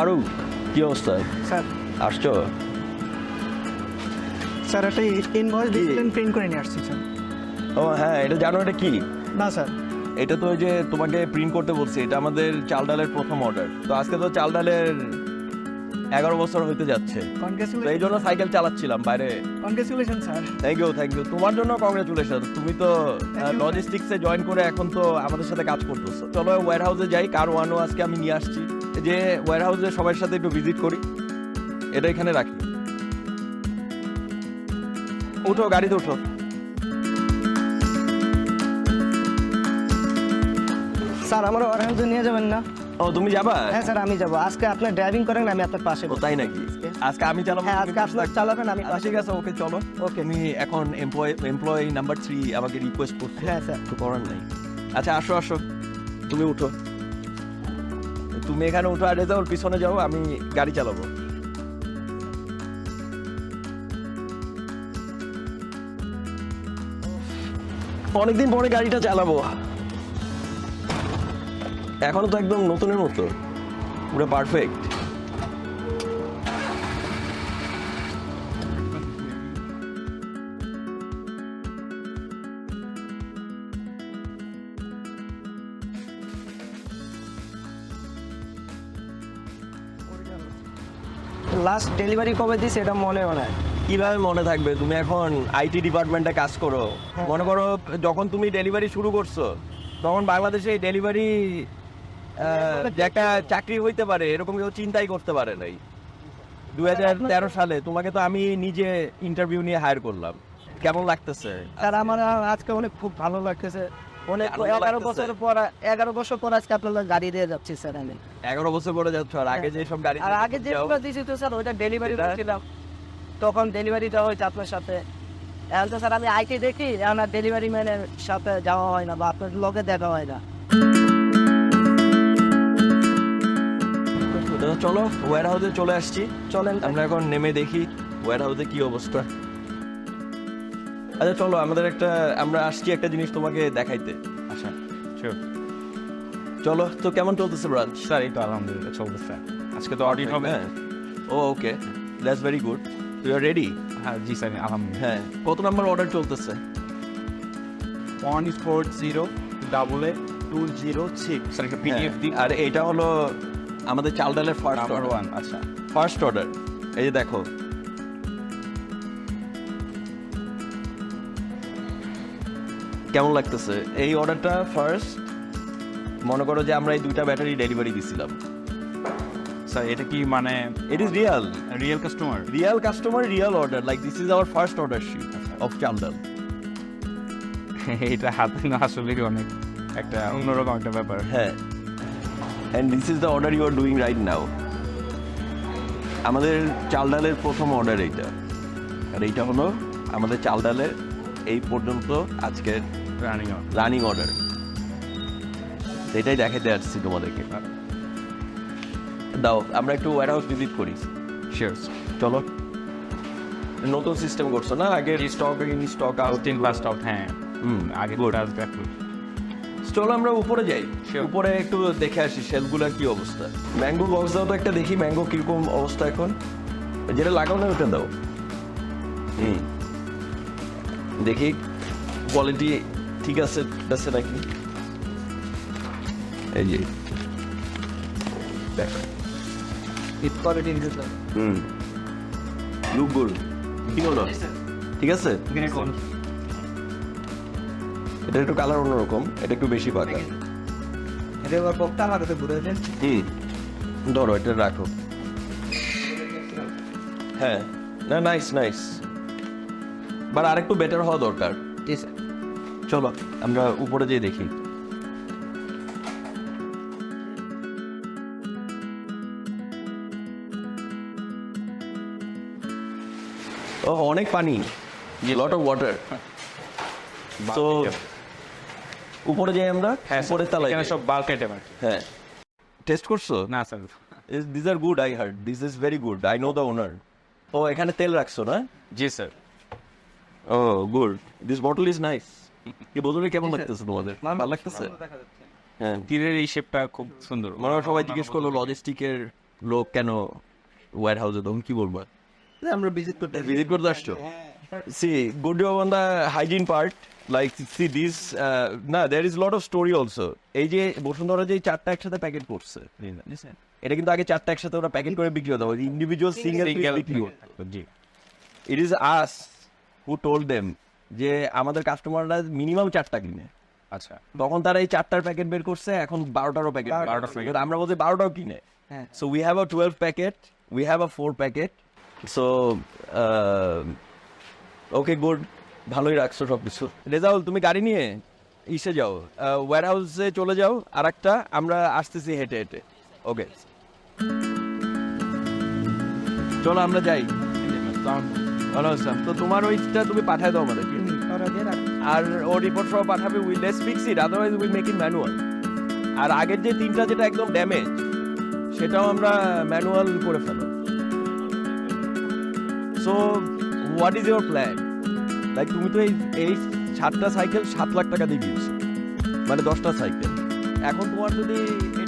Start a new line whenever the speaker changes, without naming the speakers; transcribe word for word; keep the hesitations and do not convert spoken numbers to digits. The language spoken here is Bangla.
ফারুক, কি অবস্থা?
স্যার
আসছো?
স্যার একটা ইনভয়েস দিয়েছিলেন, প্রিন্ট করে নিয়ে আসছি স্যার।
ও হ্যাঁ, এটা জানো এটা কি?
না স্যার।
এটা তো ওই যে তোমাকে প্রিন্ট করতে বলছি, এটা আমাদের চাল ডালের প্রথম অর্ডার। তো আজকে তো চাল ডালের এগারো বছর হইতে যাচ্ছে, তো এই জন্য সাইকেল চালাচ্ছিলাম বাইরে।
Congratulation sir.
Thank you thank you তোমার জন্য কংগ্রেচুলেশন। তুমি তো লজিস্টিক্সে জয়েন করে এখন তো আমাদের সাথে কাজ করতেছো। চলো ওয়্যার হাউসে যাই, কার ওয়ানও আজকে আমি নিয়ে আসছি। এই যে ওয়্যার হাউসে সবার সাথে একটু ভিজিট করি, এটা এখানে রাখি। উঠো, গাড়িতে উঠো।
স্যার আমার ওয়ারহাউসে নিয়ে যাবেন না?
ও তুমি যাবা?
হ্যাঁ স্যার আমি যাবো। আজকে আপনি ড্রাইভিং করেন, আমি আপনার পাশে
ও তাই নাকি? আজকে আমি চালাবো?
হ্যাঁ আজকে আপনার চালাবেন, আমি
আচ্ছা, ঠিক আছে, ওকে চলো। ওকে, আমি এখন এমপ্লয় এমপ্লয়ি নাম্বার থ্রি আমাকে রিকোয়েস্ট করতে।
হ্যাঁ স্যার।
তো করার নাই। আচ্ছা আসো আসো, তুমি উঠো। তুমি এখানে উঠো, আর রেজাউল পিছনে যাও, আমি গাড়ি চালাবো। অনেকদিন পরে গাড়িটা চালাবো, এখনো তো একদম নতুনের মতো, পুরো পারফেক্ট।
লাস্ট ডেলিভারি কবে দিস এটা মনেও নাই।
কিভাবে মনে থাকবে? তুমি এখন আইটি ডিপার্টমেন্টে কাজ করো। মনে করো যখন তুমি ডেলিভারি শুরু করছো তখন বাংলাদেশে ডেলিভারি যে একটা চাকরি হইতে পারে এরকম কেউ চিন্তাই করতে পারে নাই। দুই হাজার তেরো সালে তোমাকে তো আমি নিজে ইন্টারভিউ নিয়ে হায়ার করলাম। কেমন লাগতেছে?
স্যার আমার আজকে অনেক খুব ভালো লাগতেছে। অনেক
আনন্দ
এগারো
লাগতেছে?
বছর পর এগারো বছর পর আজকে আপনার গাড়ি দিয়ে যাচ্ছি স্যার আমি।
এগারো বছর পরে যাচ্ছ, আর আগে যে সব গাড়ি
আর আগে যেগুলো দিয়েছি তো স্যার ওইটা ডেলিভারি
এটা-
ছিলাম, তখন ডেলিভারি দেওয়া হয়েছে আপনার সাথে। এখন তো স্যার আমি আইটি দেখি, এখন আর ডেলিভারি ম্যানের সাথে যাওয়া হয় না বা আপনার লগে দেখা হয় না।
চলো ওয়্যার হাউসে চলে আসছি,
চলেন
আমরা এখন নেমে দেখি ওয়্যার হাউসে কি অবস্থা। আচ্ছা চলো, আমাদের একটা আমরা আসছি একটা জিনিস তোমাকে দেখাইতে।
আচ্ছা শিওর
চলো তো, কেমন চলতেছে ব্রাঞ্চ?
স্যার, এই তো আলহামদুলিল্লাহ চলতেছে। আজকে তো অডিট হবে।
ও okay, that's very good. You are ready?
হ্যাঁ জি স্যার, আলহামদুলিল্লাহ।
হ্যাঁ, কত নাম্বার অর্ডার চলতেছে?
One is four zero double A two zero six. Sir একটা পিডিএফ দিন।
আর এটা হলো আমাদের চাল ডালের ফার্স্ট
নাম্বার
অর্ডার।
ওয়ান। আচ্ছা
ফার্স্ট অর্ডার, এই যে দেখো। কেমন লাগতেছে এই অর্ডারটা? ফার্স্ট মনে করো যে আমরা এই দুইটা ব্যাটারি ডেলিভারি দিছিলাম।
স্যার এটা কি মানে
it is real
real customer?
Real customer, real order. Like this is our first order sheet of chal dal.
এটা হাতে না আসলে অনেক একটা অন্যরকম একটা ব্যাপার।
হ্যাঁ, and this is the order you are doing right now. আমাদের চাল ডালের প্রথম অর্ডার এইটা, আর এইটা হলো আমাদের চাল ডালের এই পর্যন্ত আজকের
রানিং
রানিং অর্ডার। এটাই দেখাতে আসছি তোমাদেরকে। দাও আমরা একটু ওয়্যার হাউস ভিজিট করি।
শিওর।
চলো। নতুন সিস্টেম করছো না? আগে স্টক ইন স্টক আউট
তিন ফার্স্ট আউট। হ্যাঁ
হুম
আগে
গুড।
আজকে একটু
চলো আমরা উপরে যাই,
Sure.
উপরে একটু দেখে আসি শেলফগুলোর কি অবস্থা। ম্যাঙ্গো বক্স দাও তো একটা দেখি, ম্যাঙ্গো কিরকম অবস্থা এখন। যেটা লাগাও না ওটা দাও। হুম দেখি কোয়ালিটি ঠিক আছে আছে নাকি। এই যে দেখ,
it quality is
hmm look good. কি হলো, ঠিক আছে? এটা একটু কালার অন্যরকম, এটা একটু বেশি পাকা।
এটা এবার পকটা আমার কাছে ঘুরে দেন।
হুম ধরো এটা রাখো। হ্যাঁ না, নাইস নাইস, বাট আরেকটু বেটার হওয়া দরকার।
জি স্যার।
চলো আমরা উপরে যেয়ে দেখি। ও অনেক পানি, লট অফ ওয়াটার। তো উপরে যাই আমরা,
হ্যাঁ
উপরে তালাই
এখানে সব বাল্ক আইটেম আর কি।
হ্যাঁ টেস্ট করছো?
না sir
this are good, I heard this is very good, I know the owner. ও এখানে তেল রাখছো না?
জি sir.
Oh good, this bottle is nice. এই বোতলে কেমন লাগতেছে তোমাদের? ভালো লাগতেছে? হ্যাঁ,
তীরের এই শেপটা খুব সুন্দর।
মনে হয় সবাই জিজ্ঞেস করলো লজিস্টিকের লোক কেন ওয়ার হাউসে, তখন কি বলবো?
আমরা ভিজিট করতে
ভিজিট করতে আসছো? See good on the hygiene part, like see this না there is lot of story also. এই যে বসুন্ধরা যে এই চারটা একসাথে প্যাকেট করছে, এটা কিন্তু আগে চারটা একসাথে ওরা প্যাকেট করে বিক্রি হতো, ইন্ডিভিজুয়াল সিঙ্গেল বিক্রি হতো। It is us who told them যে আমাদের কাস্টমাররা মিনিমাম চারটা কিনে।
আচ্ছা,
তখন তারা এই চারটার প্যাকেট বের করছে, এখন বারোটারও প্যাকেট, বারোটার প্যাকেট আমরা বলছি বারোটাও কিনে।
হ্যাঁ।
So we have a twelve packet, we have a four packet. So okay good, ভালোই রাখছো সব কিছু। রেজাউল, তুমি গাড়ি নিয়ে ইসে যাও, ওয়্যার হাউসে চলে যাও, আর একটা আমরা আসতেছি হেঁটে হেঁটে। ওকে চলো আমরা যাই। ভালো আসলাম তো, তোমার ওইটা তুমি পাঠায় দাও আমাদেরকে, আর ও রিপোর্ট সহ পাঠাবে। We let's fix it, otherwise will make it manual. আর আগের যে তিনটা যেটা একদম ড্যামেজ, সেটাও আমরা ম্যানুয়াল করে ফেলো। So what is your plan? Like তুমি তো এই এই সাতটা সাইকেল সাত লাখ টাকা দিয়ে দিয়েছো, মানে দশটা সাইকেল। এখন তোমার যদি